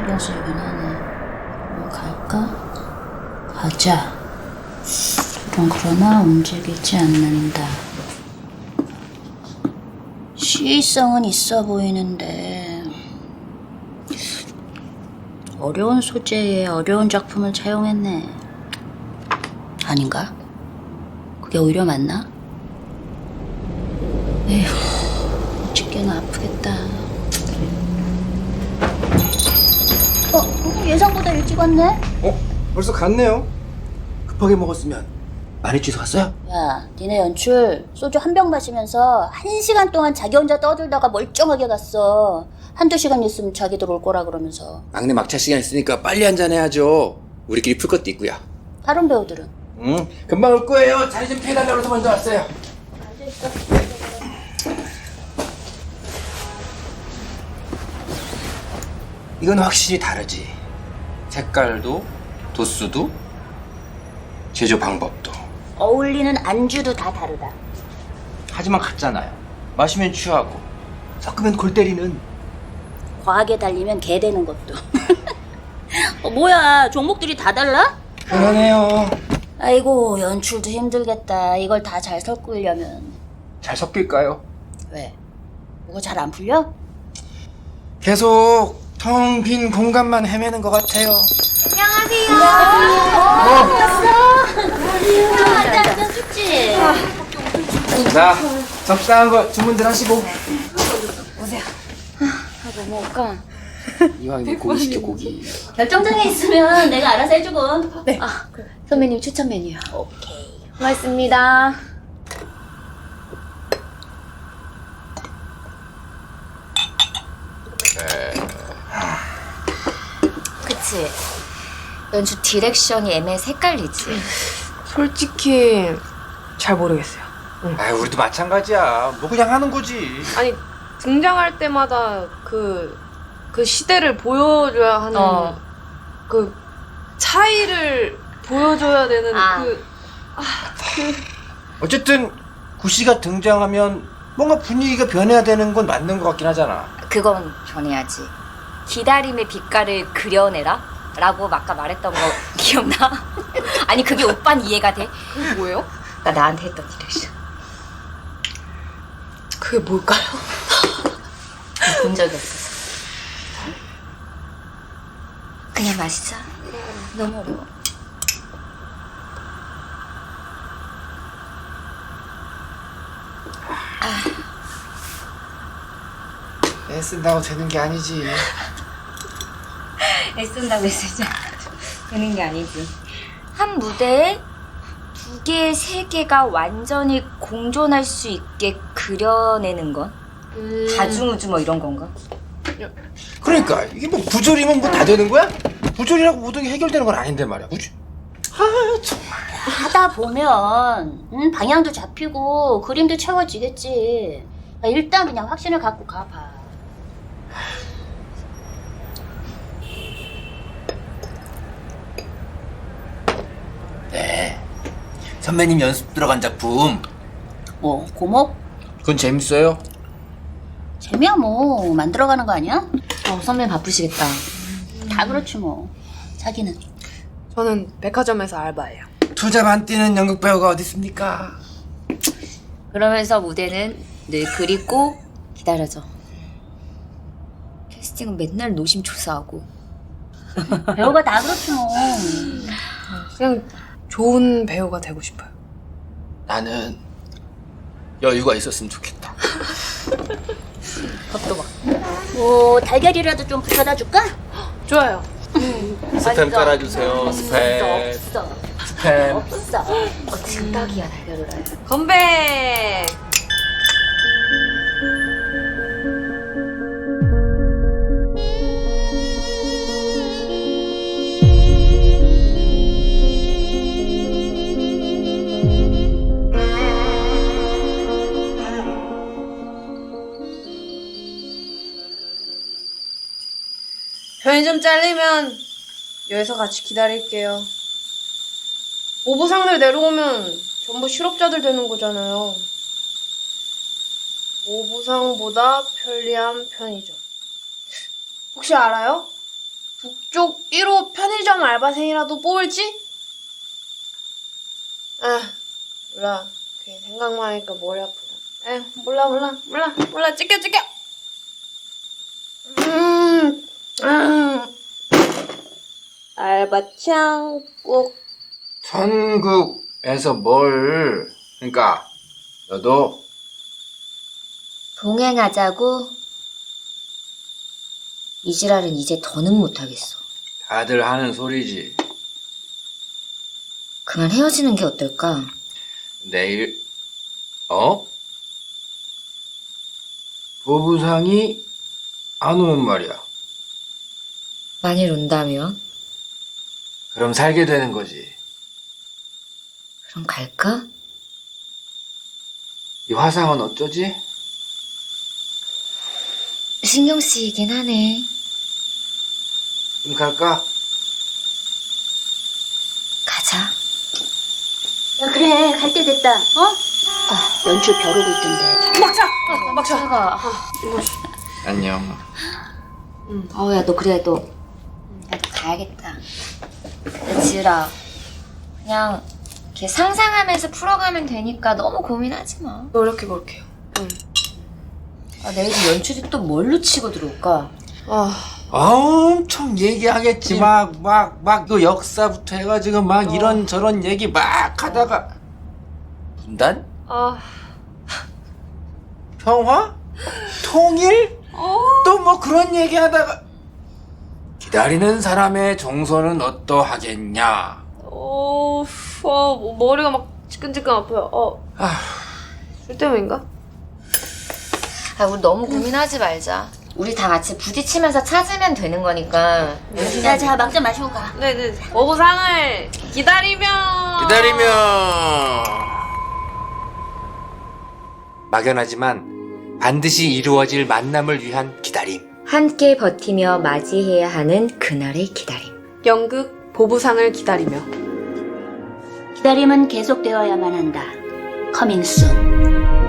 신경 쓰이긴 하네. 뭐 갈까? 가자. 둘은 그러나 움직이지 않는다. 시의성은 있어 보이는데 어려운 소재에 어려운 작품을 차용했네. 아닌가? 그게 오히려 맞나? 에휴, 어찌게나 아프겠다. 예상보다 일찍 왔네? 벌써 갔네요. 급하게 먹었으면 많이 취소갔어요? 야, 니네 연출 소주 한 병 마시면서 1시간 동안 자기 혼자 떠들다가 멀쩡하게 갔어. 한두 시간 있으면 자기들 올 거라 그러면서. 막내 막차 시간 있으니까 빨리 한잔 해야죠. 우리끼리 풀 것도 있고요. 다른 배우들은? 금방 올 거예요. 자리 좀 피해달라고 해서 먼저 왔어요. 앉아있어. 이건 확실히 다르지. 색깔도, 도수도, 제조 방법도. 어울리는 안주도 다 다르다. 하지만 같잖아요. 마시면 취하고, 섞으면 골 때리는. 과하게 달리면 개 되는 것도. 뭐야, 종목들이 다 달라? 그러네요. 아이고, 연출도 힘들겠다. 이걸 다 잘 섞으려면. 잘 섞일까요? 왜? 뭐가 잘 안 풀려? 계속 텅 빈 공간만 헤매는 것 같아요. 앉아, 춥지? 자, 적당한 거 주문들 하시고. 뭐 먹을까? 이왕 내 고기 시켜, 고기. 결정장애 있으면 내가 알아서 해주고. 네. 그래. 선배님 추천 메뉴야. 오케이. 고맙습니다. 그치? 연주 디렉션이 애매해 헷갈리지? 솔직히 잘 모르겠어요. 아, 우리도 마찬가지야. 뭐 그냥 하는 거지. 아니 등장할 때마다 그 시대를 보여줘야 하는 그 차이를 보여줘야 되는 어쨌든 구씨가 등장하면 뭔가 분위기가 변해야 되는 건 맞는 것 같긴 하잖아. 그건 변해야지. 기다림의 빛깔을 그려내라? 라고 아까 말했던 거 기억나? 아니 그게 오빤 이해가 돼? 그게 뭐예요? 나 나한테 했던 디렉션 그게 뭘까요? 본 적이 없었어. 그냥 마시자. 너무 어려워. 애쓴다고 되는 게 아니지. 애쓴다고 했으지 되는 게 아니지. 한 무대에 2개, 3개가 완전히 공존할 수 있게 그려내는 건? 다중우주 뭐 이런 건가? 그러니까 이게 뭐 부조리면 뭐 다 되는 거야? 부조리라고 모든 게 해결되는 건 아닌데 말이야. 그치? 아, 정말. 하다 보면 방향도 잡히고 그림도 채워지겠지. 일단 그냥 확신을 갖고 가봐. 네. 선배님 연습 들어간 작품. 뭐 고목? 그건 재밌어요. 재미야 뭐 만들어가는 거 아니야? 선배님 바쁘시겠다. 다 그렇지 뭐. 자기는? 저는 백화점에서 알바예요. 투잡 안 뛰는 연극 배우가 어디 있습니까? 그러면서 무대는 늘 그리고 기다려져. 캐스팅은 맨날 노심초사하고. 배우가 다 그렇지 뭐. 그냥 좋은 배우가 되고 싶어요. 나는 여유가 있었으면 좋겠다. 밥도 막. 뭐 달걀이라도 좀 부쳐다 줄까? 좋아요. 스팸 깔아주세요. 스팸. 없어. 스팸. 없어. 진닭이야 달걀을 해. 건배! 편의점 잘리면 여기서 같이 기다릴게요. 오부상들 내려오면 전부 실업자들 되는 거잖아요. 오부상보다 편리한 편의점. 혹시 알아요? 북쪽 1호 편의점 알바생이라도 뽑을지? 아, 몰라. 괜히 생각만 하니까 머리 아프다. 에휴, 몰라. 찍혀. 알바창 꼭. 천국에서 뭘? 그러니까 너도 동행하자고? 이 지랄은 이제 더는 못하겠어. 다들 하는 소리지. 그만 헤어지는 게 어떨까? 내일 보부상이 안 오면 말이야. 만일 온다면? 그럼 살게 되는 거지. 그럼 갈까? 이 화상은 어쩌지? 신경 쓰이긴 하네. 그럼 갈까? 가자. 야, 그래. 갈 때 됐다. 아, 연출 벼르고 있던데. 막차가. 안녕. 야, 너 그래, 너. 나도 가야겠다. 근데 지으라. 그냥 이렇게 상상하면서 풀어가면 되니까 너무 고민하지 마. 노력해볼게요. 내일 연출이 또 뭘로 치고 들어올까? 엄청 얘기하겠지. 막 그 역사부터 해가지고 막 이런저런 얘기 막 하다가 분단? 평화? 통일? 또 뭐 그런 얘기 하다가 기다리는 사람의 정서는 어떠하겠냐? 머리가 막 지끈지끈 아파요. 술 때문인가? 우리 너무 고민하지 말자. 우리 다 같이 부딪히면서 찾으면 되는 거니까. 야, 자, 막 좀 마시고 가. 네네. 보부상을 기다리면. 막연하지만 반드시 이루어질 만남을 위한 기다림. 함께 버티며 맞이해야 하는 그날의 기다림. 연극 보부상을 기다리며. 기다림은 계속되어야만 한다. 커밍 순.